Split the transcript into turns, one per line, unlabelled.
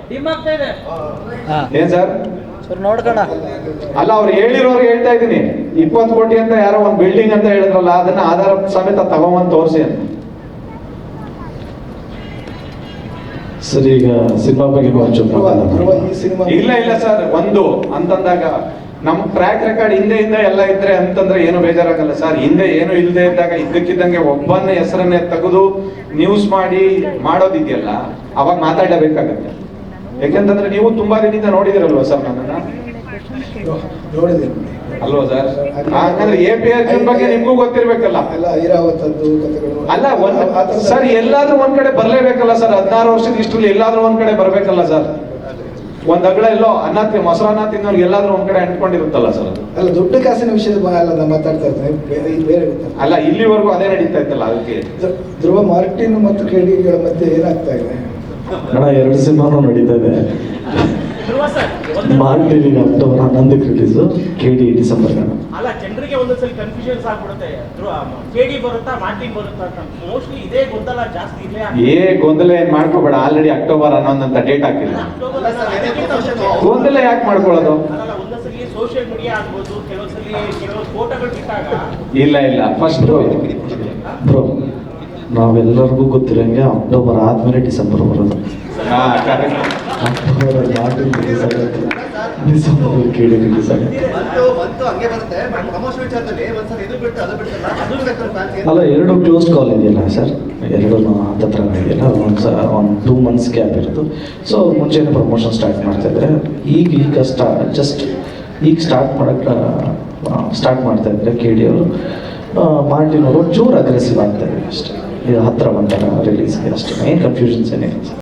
ಏನ್ ಸರ್
ನೋಡ್ಕೋಣ.
ಅಲ್ಲ, ಅವ್ರು ಹೇಳಿರೋರ್ಗೆ ಹೇಳ್ತಾ ಇದ್ದೀನಿ, 20 ಕೋಟಿ ಅಂತ ಯಾರೋ ಒಂದು ಬಿಲ್ಡಿಂಗ್ ಅಂತ ಹೇಳಿದ್ರಲ್ಲ, ಅದನ್ನ ಆಧಾರ ಸಮೇತ ತಗೊಂಬಂದು ತೋರಿಸಿ ಅಂತ.
ಸರ್, ಈಗ ಸಿನಿಮಾ ಬಗ್ಗೆ
ಇಲ್ಲ ಇಲ್ಲ ಸರ್, ಒಂದು ಅಂತಂದಾಗ ನಮ್ ಟ್ರ್ಯಾಕ್ ರೆಕಾರ್ಡ್ ಹಿಂದೆ ಎಲ್ಲ ಇದ್ರೆ ಅಂತಂದ್ರೆ ಏನು ಬೇಜಾರಾಗಲ್ಲ ಸರ್. ಹಿಂದೆ ಏನು ಇಲ್ಲದೆ ಇದ್ದಾಗ ಇದ್ದಕ್ಕಿದ್ದಂಗೆ ಒಬ್ಬನ ಹೆಸರನ್ನೇ ತೆಗೆದು ನ್ಯೂಸ್ ಮಾಡಿ ಮಾಡೋದಿದೆಯಲ್ಲ, ಅವಾಗ ಮಾತಾಡಬೇಕಾಗತ್ತೆ. ಯಾಕೆಂತಂದ್ರೆ ನೀವು ತುಂಬಾ ದಿನದಿಂದ ನೋಡಿದಿರಲ್ವಾ ಸರ್ ನನ್ನನ್ನ, ಅಲ್ವಾ ಸರ್? ಹಾಗಾದ್ರೆ APR ಬಗ್ಗೆ ನಿಮ್ಗೂ ಗೊತ್ತಿರ್ಬೇಕಲ್ಲ. ಅಲ್ಲ ಸರ್, ಎಲ್ಲಾದ್ರೂ ಒಂದ್ ಕಡೆ ಬರ್ಲೇಬೇಕಲ್ಲ ಸರ್. 16 ವರ್ಷದ ಇಷ್ಟರಲ್ಲಿ ಎಲ್ಲಾದ್ರೂ ಒಂದ್ ಕಡೆ ಬರ್ಬೇಕಲ್ಲ ಸರ್. ಒಂದ್ ಅಗಳ ಎಲ್ಲೋ ಮೊಸರನ್ನ ತಿನ್ನೋರ್ಗೆ ಎಲ್ಲಾದ್ರೂ ಒಂದ್ ಕಡೆ ಅಂಟ್ಕೊಂಡಿರುತ್ತಲ್ಲ ಸರ್.
ಅಲ್ಲ, ದುಡ್ಡು ಕಾಸಿನ ವಿಷಯದ ಮಾತಾಡ್ತಾ ಇರ್ತಾರೆ, ಬೇರೆ
ಅಲ್ಲ, ಇಲ್ಲಿವರೆಗೂ ಅದೇ ನಡೀತಾ ಇತ್ತಲ್ಲ. ಅದಕ್ಕೆ
ಧ್ರುವ ಮಾರ್ಟಿನ್ ಮತ್ತು KDಗಳ ಮಧ್ಯೆ ಏನಾಗ್ತಾ ಇದೆ
ಅಣ್ಣ? 2 ಸಿನಿಮಾನು ನಡೀತಾ ಇದೆ. ಮಾರ್ಟಿನ್ ಈಗ ಅಕ್ಟೋಬರ್ 11ಕ್ಕೆ ರಿಲೀಸು, KD ಡಿಸೆಂಬರ್.
ಅಲ್ಲ, ಜನರಿಗೆ ಒಂದೊಂದ್ಸಲಿ ಕನ್ಫ್ಯೂಷನ್ಸ್ ಆಗ್ಬಿಡುತ್ತೆ, KD ಬರುತ್ತಾ ಮಾರ್ಟಿನ್ ಬರುತ್ತಾ ಅಂತ. ಮೋಸ್ಟ್ಲಿ ಇದೇ ಗೊಂದಲ ಜಾಸ್ತಿ ಇದೆ.
ಗೊಂದಲ ಏನ್ ಮಾಡ್ಕೋಬೇಡ, ಆಲ್ರೆಡಿ ಅಕ್ಟೋಬರ್ 11 ಅಂತ ಡೇಟ್ ಹಾಕಿಲ್ಲ. ಗೊಂದಲ ಯಾಕೆ ಮಾಡ್ಕೊಳ್ಳೋದು?
ಒಂದೊಂದ್ಸಲಿ ಸೋಷಿಯಲ್ ಮೀಡಿಯಾ ಆಗ್ಬೋದು, ಕೆಲವು ಫೋಟೋಗಳು ಬಿಟ್ಟಾಗ
ಇಲ್ಲ ಫಸ್ಟ್
ಬ್ರೋ, ನಾವೆಲ್ಲರಿಗೂ ಗೊತ್ತಿರಂಗೆ ಅಕ್ಟೋಬರ್ ಆದ್ಮೇಲೆ ಡಿಸೆಂಬರ್ ಬರೋದು. ಅಕ್ಟೋಬರ್ ಮಾರ್ಟಿನ್ ರಿಲೀಸ್ ಆಗುತ್ತೆ, ಡಿಸೆಂಬರ್ KD ರಿಲೀಸ್ ಆಗುತ್ತೆ. ಅಲ್ಲ, 2 ಕ್ಲೋಸ್ ಕಾಲ್ ಇದೆಯಲ್ಲ ಸರ್, 2 ಹತ್ರ ಇದೆಯಲ್ಲ, ಒಂದು 2 months ಗ್ಯಾಪ್ ಇರೋದು. ಸೊ ಮುಂಚೆನೇ ಪ್ರಮೋಷನ್ ಸ್ಟಾರ್ಟ್ ಮಾಡ್ತಾ ಇದ್ದಾರೆ. ಈಗ ಜಸ್ಟ್ ಈಗ ಸ್ಟಾರ್ಟ್ ಮಾಡ್ತಾ ಇದ್ದಾರೆ KD ಅವರು. ಮಾರ್ಟಿನ್ ಅವರು ಚೂರು ಅಗ್ರೆಸಿವ್ ಆಗ್ತಾ ಇದ್ದಾರೆ ಅಷ್ಟೇ. ಇದು ಹತ್ರ ಬಂದಾಗ ರಿಲೀಸ್ಗೆ ಅಷ್ಟೇ, ಏನು ಕನ್ಫ್ಯೂಷನ್ಸ್ ಏನಿಲ್ಲ.